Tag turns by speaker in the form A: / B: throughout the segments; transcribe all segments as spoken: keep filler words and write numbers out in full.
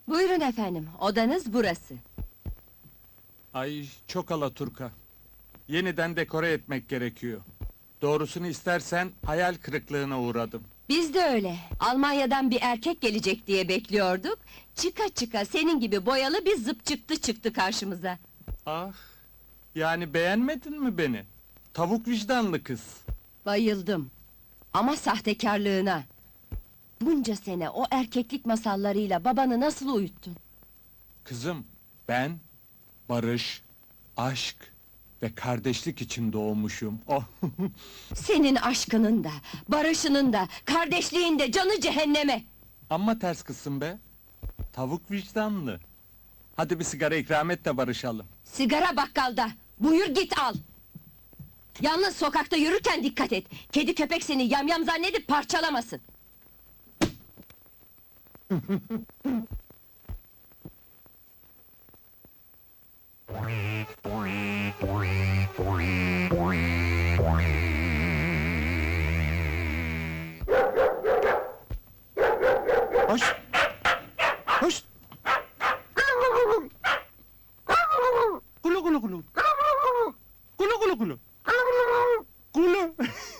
A: Buyurun efendim, odanız burası.
B: Ay, çok alaturka. Yeniden dekore etmek gerekiyor. Doğrusunu istersen hayal kırıklığına uğradım.
A: Biz de öyle. Almanya'dan bir erkek gelecek diye bekliyorduk. Çıka çıka senin gibi boyalı bir zıp çıktı çıktı karşımıza.
B: Ah, yani beğenmedin mi beni? Tavuk vicdanlı kız.
A: Bayıldım. Ama sahtekarlığına. Bunca sene o erkeklik masallarıyla babanı nasıl uyuttun?
B: Kızım, ben barış, aşk ve kardeşlik için doğmuşum. Oh.
A: Senin aşkının da, barışının da, kardeşliğin de canı cehenneme!
B: Amma ters kızsın be. Tavuk vicdanlı. Hadi bir sigara ikram et de barışalım.
A: Sigara bakkalda, buyur git al! Yalnız sokakta yürürken dikkat et! Kedi köpek seni yamyam zannedip parçalamasın!
B: Hoş! Hoş! Kulu kulu kulu! Kulu kulu kulu! Kulu!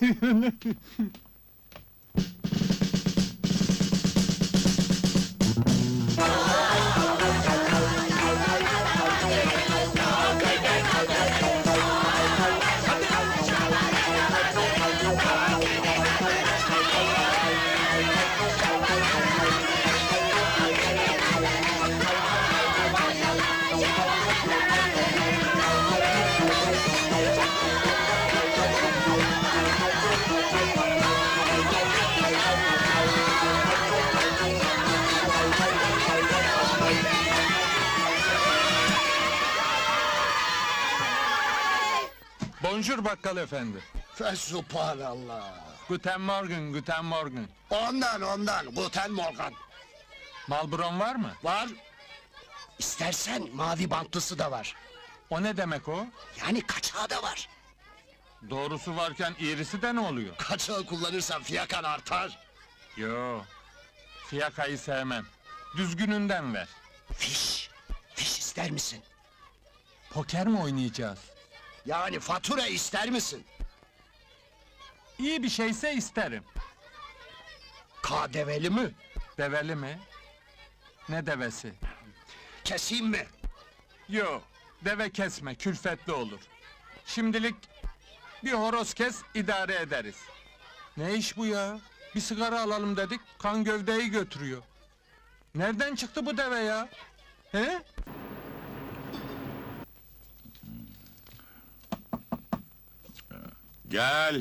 B: Bonjour bakkal efendi.
C: Fesubhanallah.
B: Guten Morgen, guten Morgen.
C: Ondan ondan, Guten Morgen.
B: Malbron var mı?
C: Var. İstersen mavi bantlısı da var.
B: O ne demek o?
C: Yani kaçağı da var.
B: Doğrusu varken iğrisi de ne oluyor?
C: Kaçağı kullanırsan fiyakan artar.
B: Yo, fiyakayı sevmem. Düzgününden ver.
C: Fiş. Fiş ister misin?
B: Poker mi oynayacağız?
C: Yani fatura ister misin?
B: İyi bir şeyse isterim.
C: K D V'li mi?
B: Develi mi? Ne devesi?
C: Keseyim mi?
B: Yo, deve kesme, külfetli olur. Şimdilik bir horoz kes, idare ederiz. Ne iş bu ya? Bir sigara alalım dedik, kan gövdeyi götürüyor. Nereden çıktı bu deve ya? He?
D: Gel.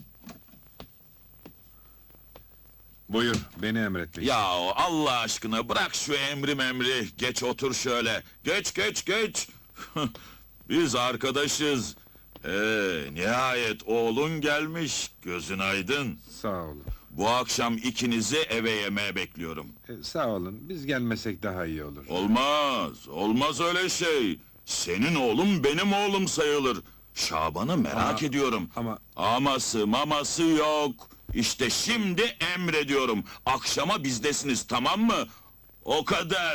E: Buyur, beni emret.
D: Ya Allah aşkına bırak şu emri memri. Geç otur şöyle. Geç geç geç. Biz arkadaşız. Ee, nihayet oğlun gelmiş. Gözün aydın.
E: Sağ olun.
D: Bu akşam ikinizi eve yemeğe bekliyorum.
E: E, sağ olun, biz gelmesek daha iyi olur.
D: Olmaz, olmaz öyle şey. Senin oğlum benim oğlum sayılır. Şaban'ı merak
E: Ama-
D: ediyorum.
E: ama-
D: Aması maması yok. İşte şimdi emrediyorum. Akşama bizdesiniz, tamam mı? O kadar.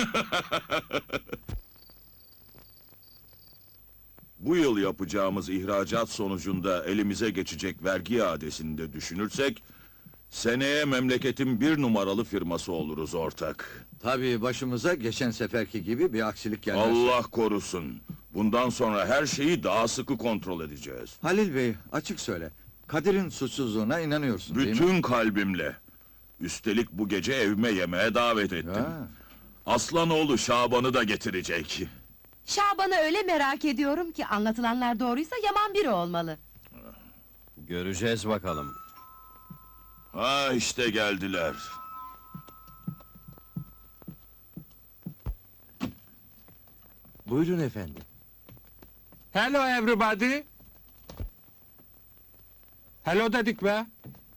D: Bu yıl yapacağımız ihracat sonucunda elimize geçecek vergi iadesini de düşünürsek... ...seneye memleketin bir numaralı firması oluruz ortak.
F: Tabii başımıza geçen seferki gibi bir aksilik gelmez.
D: Allah korusun. Bundan sonra her şeyi daha sıkı kontrol edeceğiz.
F: Halil Bey, açık söyle. Kadir'in suçsuzluğuna inanıyorsun değil mi?
D: Bütün kalbimle. Üstelik bu gece evime yemeğe davet ettim.
F: Ya,
D: Aslanoğlu Şaban'ı da getirecek.
G: Şaban'ı öyle merak ediyorum ki anlatılanlar doğruysa yaman biri olmalı.
F: göreceğiz bakalım.
D: Ha işte geldiler.
F: Buyurun efendim.
B: Hello everybody. Hello dedik be.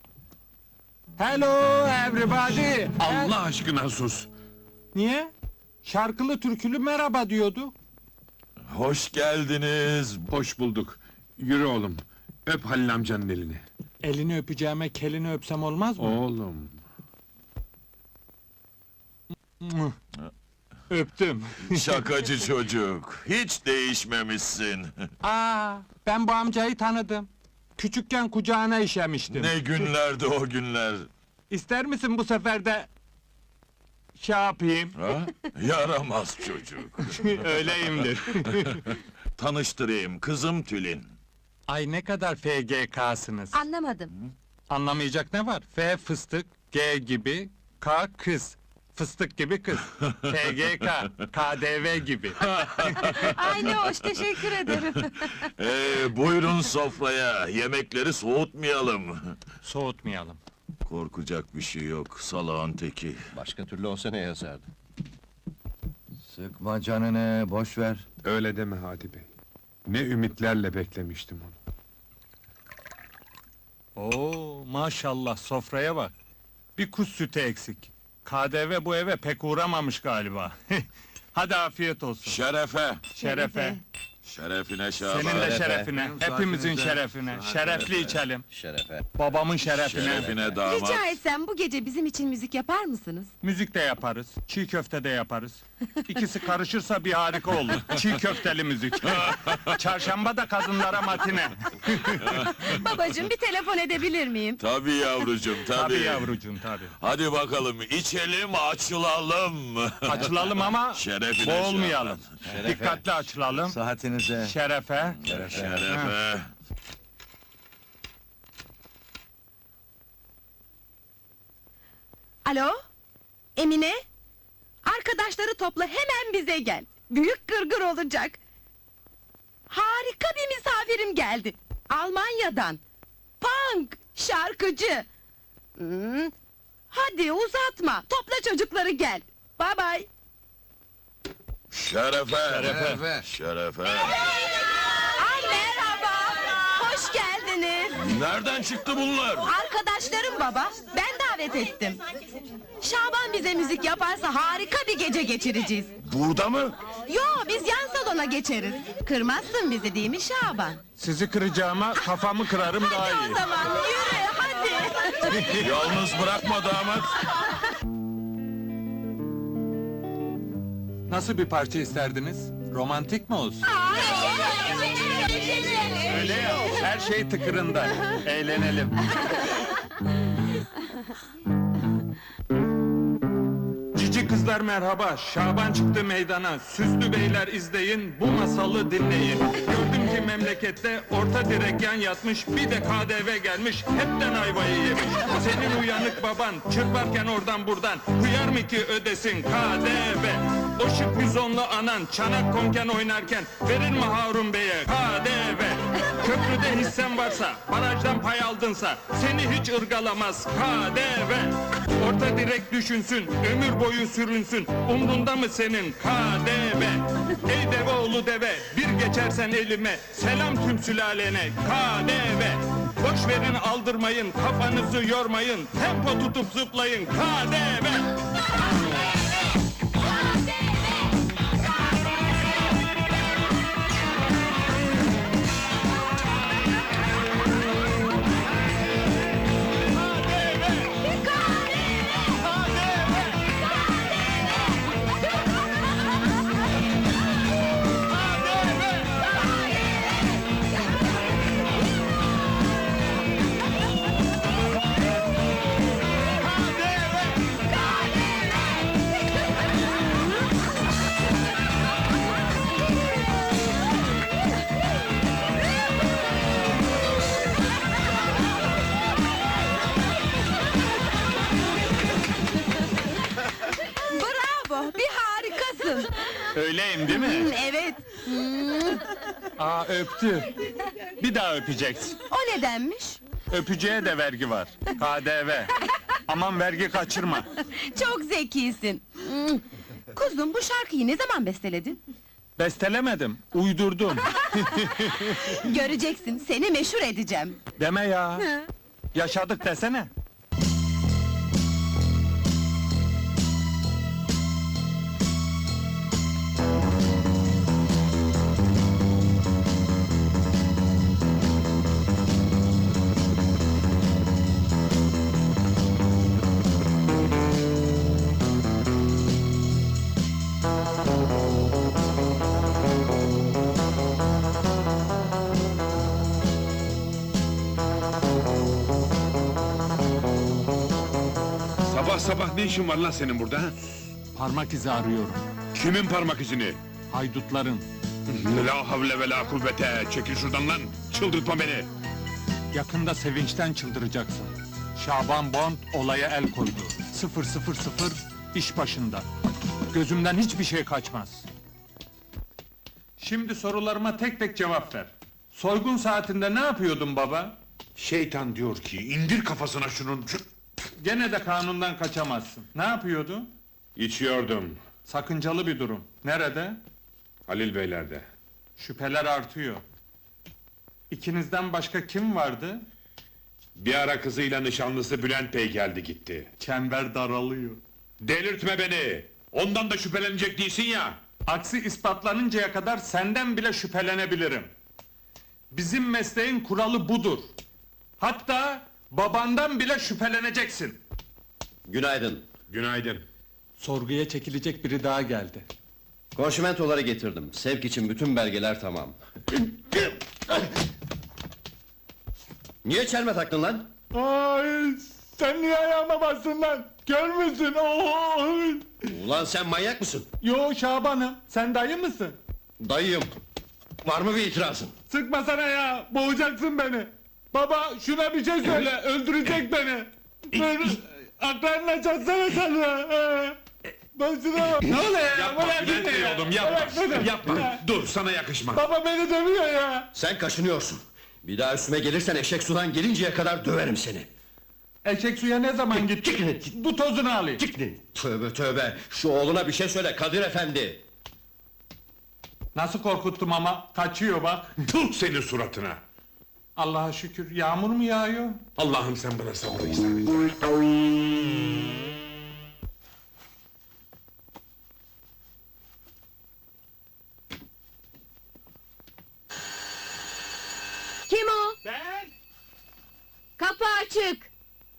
B: Hello everybody.
E: Allah aşkına sus!
B: Niye? Şarkılı türkülü merhaba diyordu.
D: Hoş geldiniz.
E: Hoş bulduk. Yürü oğlum, öp Halil amcanın elini.
B: Elini öpeceğime kelini öpsem olmaz mı?
E: Oğlum.
B: Mıh. Öptüm.
D: Şakacı çocuk. Hiç değişmemişsin.
B: Aa, ben bu amcayı tanıdım. Küçükken kucağına işemiştim.
D: Ne günlerdi o günler.
B: İster misin bu sefer de şey yapayım?
D: Ha? Yaramaz çocuk.
B: Öyleyimdir.
D: Tanıştırayım, kızım Tülin.
B: Ay ne kadar F G K'sınız.
G: Anlamadım.
B: Anlamayacak ne var? F fıstık, G gibi, K kız. Fıstık gibi kız. F G K, K D V gibi.
G: Ay ne hoş, teşekkür ederim.
D: Ee, buyurun sofraya, yemekleri soğutmayalım.
B: Soğutmayalım.
D: Korkacak bir şey yok, salağın teki.
C: Başka türlü olsa ne yazardı?
F: Sıkma canını, boş ver.
E: Öyle deme Hadi Bey. Ne ümitlerle beklemiştim onu.
B: Oo, maşallah sofraya bak. Bir kuş sütü eksik. K D V bu eve pek uğramamış galiba. Hadi afiyet olsun.
D: Şerefe,
B: Şerefe.
D: şerefine Şaban.
B: Senin de
C: Şerefe.
B: şerefine. Hepimizin şerefine. Şerefli içelim.
C: Şerefe.
B: Babamın şerefine.
D: Şerefine damat.
G: Rica etsem bu gece bizim için müzik yapar mısınız?
B: Müzik de yaparız. Çiğ köfte de yaparız. İkisi karışırsa bir harika olur. Çiğ köfteli müzik. Çarşamba da kadınlara matine.
G: Babacığım bir telefon edebilir miyim?
D: Tabii yavrucuğum, tabii.
B: Tabii yavrucuğum tabii.
D: Hadi bakalım, içelim, açılalım.
B: Açılalım ama
D: Şerefine
B: boğulmayalım. Dikkatli açılalım.
F: Saatinize.
B: Şerefe.
D: Şerefe.
G: Alo? Emine? Arkadaşları topla, hemen bize gel. Büyük gırgır olacak. Harika bir misafirim geldi. Almanya'dan. Punk, şarkıcı. Hmm. Hadi uzatma, topla çocukları gel. Bye bye.
D: Şerefe.
F: Şerefe.
D: Şerefe.
G: Aa, merhaba, hoş geldiniz.
D: Nereden çıktı bunlar?
G: Arkadaşlarım baba, ben davet ettim. Şaban bize müzik yaparsa harika bir gece geçireceğiz.
D: Burada mı?
G: Yo, biz yan salona geçeriz. Kırmazsın bizi değil mi Şaban?
B: Sizi kıracağıma kafamı kırarım daha
G: Hadi
B: iyi.
G: o zaman yürü, hadi.
D: Yalnız bırakma damat.
B: Nasıl bir parça isterdiniz? Romantik mi olsun? Öyle ya, her şey tıkırında. Eğlenelim. Cici kızlar merhaba, Şaban çıktı meydana. Süslü beyler izleyin, bu masalı dinleyin. Gördüm ki memlekette orta direk yan yatmış, bir de K D V gelmiş, hepten ayvayı yemiş. Senin uyanık baban, çırparken oradan buradan, hıyar mı ki ödesin K D V? O şık bizonlu anan, çanak konken oynarken, verir mi Harun Bey'e K D V? Köprüde hissen varsa, barajdan pay aldınsa, seni hiç ırgalamaz K D V. Orta direk düşünsün, ömür boyu sürünsün, umrunda mı senin K D V? Ey deve oğlu deve, bir geçersen elime, selam tüm sülalene K D V. Boş verin aldırmayın, kafanızı yormayın, tempo tutup zıplayın K D V.
G: Bravo, bir harikasın.
B: Öyleyim değil mi?
G: Hmm, evet,
B: Aa öptü. Bir daha öpeceksin.
G: o nedenmiş?
B: Öpücüğe de vergi var. K D V. Aman vergi kaçırma.
G: Çok zekisin. Hmm. Kuzum, bu şarkıyı ne zaman besteledin?
B: Bestelemedim, uydurdum.
G: Göreceksin, seni meşhur edeceğim.
B: Deme ya. Yaşadık desene.
E: Sabah sabah ne işin var lan senin burada? ha?
B: Parmak izi arıyorum.
E: Kimin parmak izini?
B: Haydutların.
E: La havle ve la kuvvete! Çekil şuradan lan! Çıldırtma beni!
B: Yakında sevinçten çıldıracaksın. Şaban Bond olaya el koydu. Sıfır sıfır sıfır iş başında. Gözümden hiçbir şey kaçmaz. Şimdi sorularıma tek tek cevap ver. Soygun saatinde ne yapıyordun baba?
E: Şeytan diyor ki, indir kafasına şunun... şu-
B: Gene de kanundan kaçamazsın. Ne yapıyordun?
E: İçiyordum.
B: Sakıncalı bir durum. Nerede?
E: Halil Beyler'de.
B: Şüpheler artıyor. İkinizden başka kim vardı?
E: Bir ara kızıyla nişanlısı Bülent Bey geldi gitti.
B: Çember daralıyor.
E: Delirtme beni! Ondan da şüphelenecek değilsin ya!
B: Aksi ispatlanıncaya kadar senden bile şüphelenebilirim. Bizim mesleğin kuralı budur. Hatta babandan bile şüpheleneceksin.
H: Günaydın.
E: Günaydın.
B: Sorguya çekilecek biri daha geldi.
H: Konşimentoları getirdim. Sevk için bütün belgeler tamam. Niye çelme taktın lan?
B: Ay, sen niye ayağıma bastın lan? Kör müsün? Oy!
H: Ulan sen manyak mısın?
B: Yo Şaban'ım, sen dayı mısın?
H: Dayıyım. Var mı bir itirazın?
B: Sıkmasana ya, boğacaksın beni. Baba, şuna bir şey söyle, öldürecek beni. Beni aklarına çatsana sen ya. Ben şuna bak. Ne oluyor ya?
E: Yapma
B: Bırak
E: Bülent
B: beni
E: Bey
B: ya.
E: oğlum, yapma!
B: Bırak beni.
E: Yapma!
B: Ya.
E: Dur, sana yakışmaz!
B: Baba beni dövüyor ya.
H: Sen kaşınıyorsun. Bir daha üstüme gelirsen eşek sudan gelinceye kadar döverim seni.
B: Eşek suya ne zaman gitti? Bu tozunu alayım.
H: Tövbe tövbe. Şu oğluna bir şey söyle Kadir Efendi.
B: Nasıl korkuttum ama, kaçıyor bak.
E: Tut senin suratına!
B: Allah'a şükür, yağmur mu yağıyor?
E: Allah'ım sen bana sabır ihsan et.
A: Kim o?
B: Ben!
A: Kapı açık.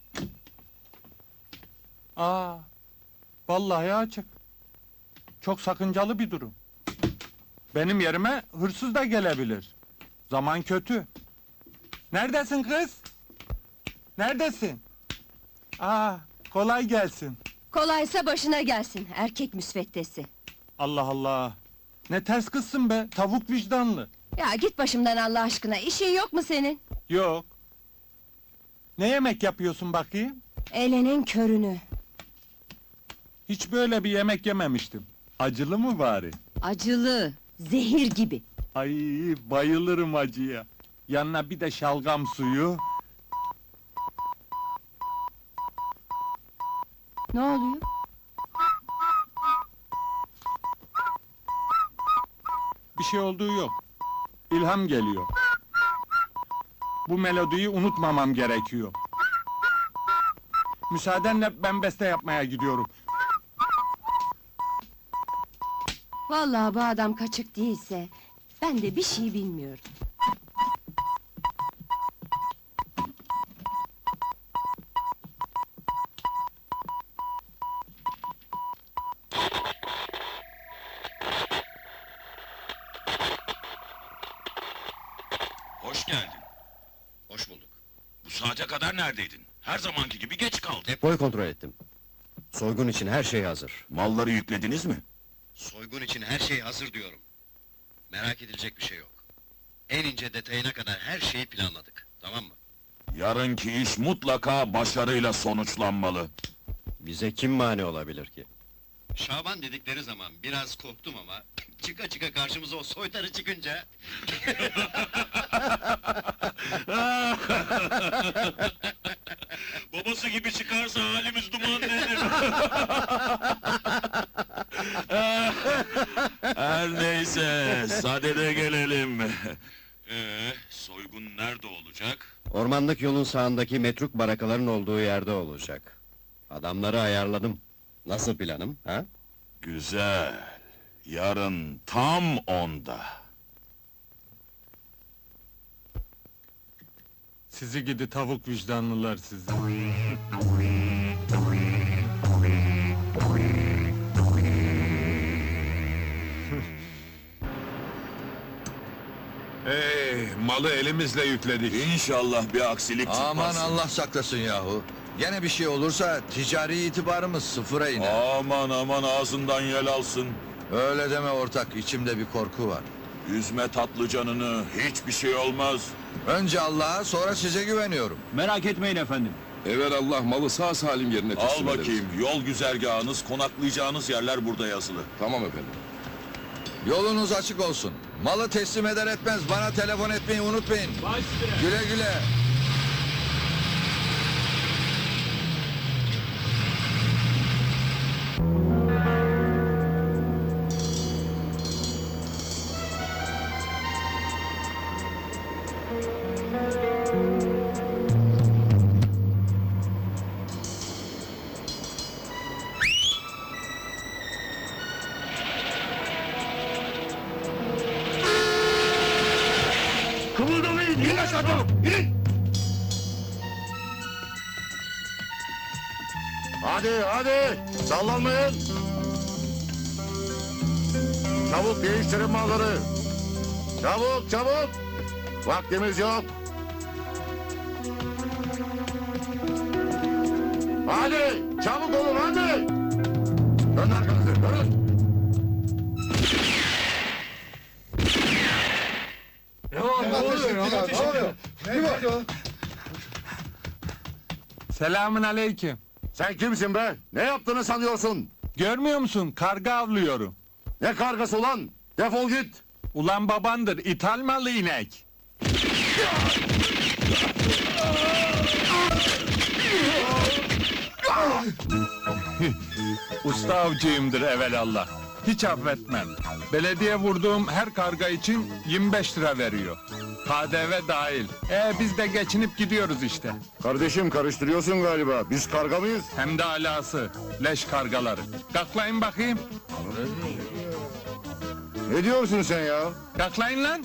B: Aa, vallahi açık. Çok sakıncalı bir durum. Benim yerime hırsız da gelebilir. Zaman kötü. Neredesin kız? Neredesin? Aa, kolay gelsin.
A: Kolaysa başına gelsin, erkek müsveddesi.
B: Allah Allah! Ne ters kızsın be, tavuk vicdanlı.
A: Ya git başımdan Allah aşkına, işin yok mu senin?
B: Yok. Ne yemek yapıyorsun bakayım?
A: Elenin körünü.
B: Hiç böyle bir yemek yememiştim. Acılı mı bari?
A: Acılı, zehir gibi.
B: Ay, bayılırım acıya. Yanına bir de şalgam suyu.
A: Ne oluyor?
B: Bir şey olduğu yok. İlham geliyor. Bu melodiyi unutmamam gerekiyor. Müsaadenle ben beste yapmaya gidiyorum.
A: Vallahi bu adam kaçık değilse, ben de bir şey bilmiyorum.
D: Hoş geldin.
H: Hoş bulduk.
D: Bu saate kadar neredeydin? Her zamanki gibi geç kaldın.
H: Depoyu kontrol ettim. Soygun için her şey hazır.
D: Malları yüklediniz mi?
H: Soygun için her şey hazır diyorum. Merak edilecek bir şey yok. En ince detayına kadar her şeyi planladık. Tamam mı?
D: Yarınki iş mutlaka başarıyla sonuçlanmalı.
H: Bize kim mani olabilir ki? Şaban dedikleri zaman biraz korktum ama... ...çıka çıka karşımıza o soytarı çıkınca...
D: Babası gibi çıkarsa halimiz duman nedir? Her neyse, sadede gelelim. Ee, soygun nerede olacak?
H: Ormanlık yolun sağındaki metruk barakaların olduğu yerde olacak. Adamları ayarladım. Nasıl planım, ha?
D: Güzel. Yarın tam onda.
B: Sizi gidi tavuk vicdanlılar sizi.
E: Hey, malı elimizle yükledik.
D: İnşallah bir aksilik çıkmaz.
F: Aman Allah saklasın yahu. Gene bir şey olursa ticari itibarımız sıfıra iner.
D: Aman aman ağzından yel alsın.
F: Öyle deme ortak, içimde bir korku var.
D: Üzme tatlı canını, hiçbir şey olmaz.
F: Önce Allah'a, sonra size güveniyorum.
E: Merak etmeyin efendim.
I: Evelallah malı sağ salim yerine
D: Al
I: teslim ederiz.
D: bakayım, yol güzergahınız, konaklayacağınız yerler burada yazılı.
I: Tamam efendim.
F: Yolunuz açık olsun. Malı teslim eder etmez bana telefon etmeyi unutmayın. Güle güle.
E: Kımıldamayın, in aşağı çabuk, in!
J: Hadi hadi sallanmayın. Çabuk değiştirin malları. Çabuk çabuk. Vaktimiz yok. Hadi çabuk olun hadi. Dön arkanızı dönün.
B: Selamün aleyküm.
J: Sen kimsin be? Ne yaptığını sanıyorsun?
B: Görmüyor musun? Karga avlıyorum.
J: Ne kargası ulan? Defol git.
B: Ulan babandır, ithal malı inek. Usta avcıyımdır evelallah. Hiç affetmem. Belediye vurduğum her karga için yirmi beş lira veriyor. K D V dahil. E biz de geçinip gidiyoruz işte.
J: Kardeşim karıştırıyorsun galiba. Biz karga mıyız?
B: Hem de alası. Leş kargaları. Kaklayın bakayım.
J: Ne diyorsun sen ya?
B: Kaklayın lan.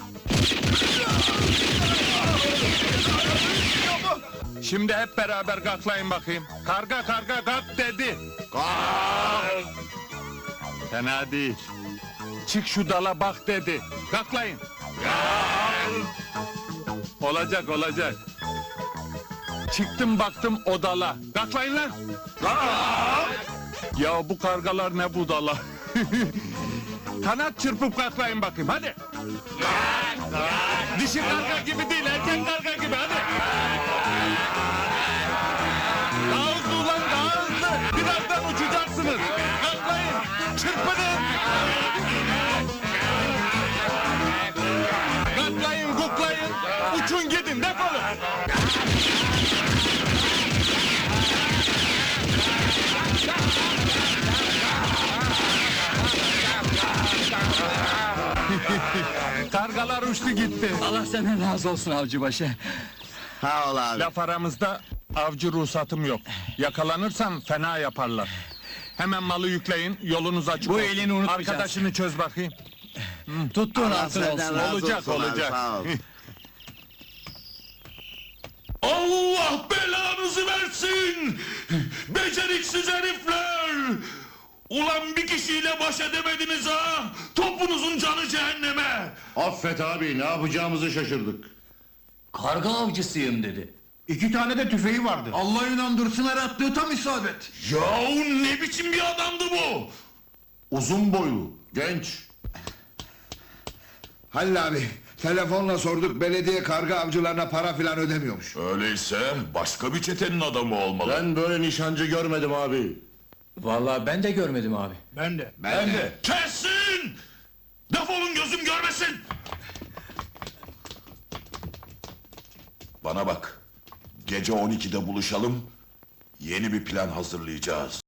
B: Şimdi hep beraber kaklayın bakayım. Karga karga kalk dedi.
J: Kalk!
B: Fena değil. Çık şu dala bak dedi. Kalklayın. Olacak olacak. Çıktım baktım o dala. Kalklayın lan. Ya bu kargalar ne budala. Kanat çırpıp kalklayın bakayım hadi. Dişi karga gibi değil erkek karga gibi hadi. Daha hızlı ulan daha hızlı. Birazdan uçacaksınız. Kalklayın. Çırpının. Kalklayın kuklayın. Uçun gidin defolun. Kargalar uçtu gitti.
C: Allah senden razı olsun avcıbaşı. Ha ol abi.
B: Laf aramızda avcı ruhsatım yok. Yakalanırsam fena yaparlar. Hemen malı yükleyin, yolunuz açık
C: Bu
B: olsun.
C: elini unutmayacağız.
B: Arkadaşını çöz bakayım.
C: Tuttuğun altın olsun.
B: Olacak, olacak.
D: Allah belanızı versin! Beceriksiz herifler! Ulan bir kişiyle baş edemediniz ha! Topunuzun canı cehenneme!
J: Affet abi ne yapacağımızı şaşırdık.
C: Karga avcısıyım dedi.
E: İki tane de tüfeği vardı.
C: Allah inandırsın her attığı tam isabet.
D: Yahu ne biçim bir adamdı bu?
J: Uzun boylu, genç.
K: Halil abi, telefonla sorduk, belediye karga avcılarına para filan ödemiyormuş.
D: Öyleyse başka bir çetenin adamı olmalı.
J: Ben böyle nişancı görmedim abi.
C: Vallahi ben de görmedim abi.
E: Ben de.
K: Ben, de.
D: Kesin! Defolun gözüm görmesin! Bana bak, gece on ikide buluşalım, yeni bir plan hazırlayacağız.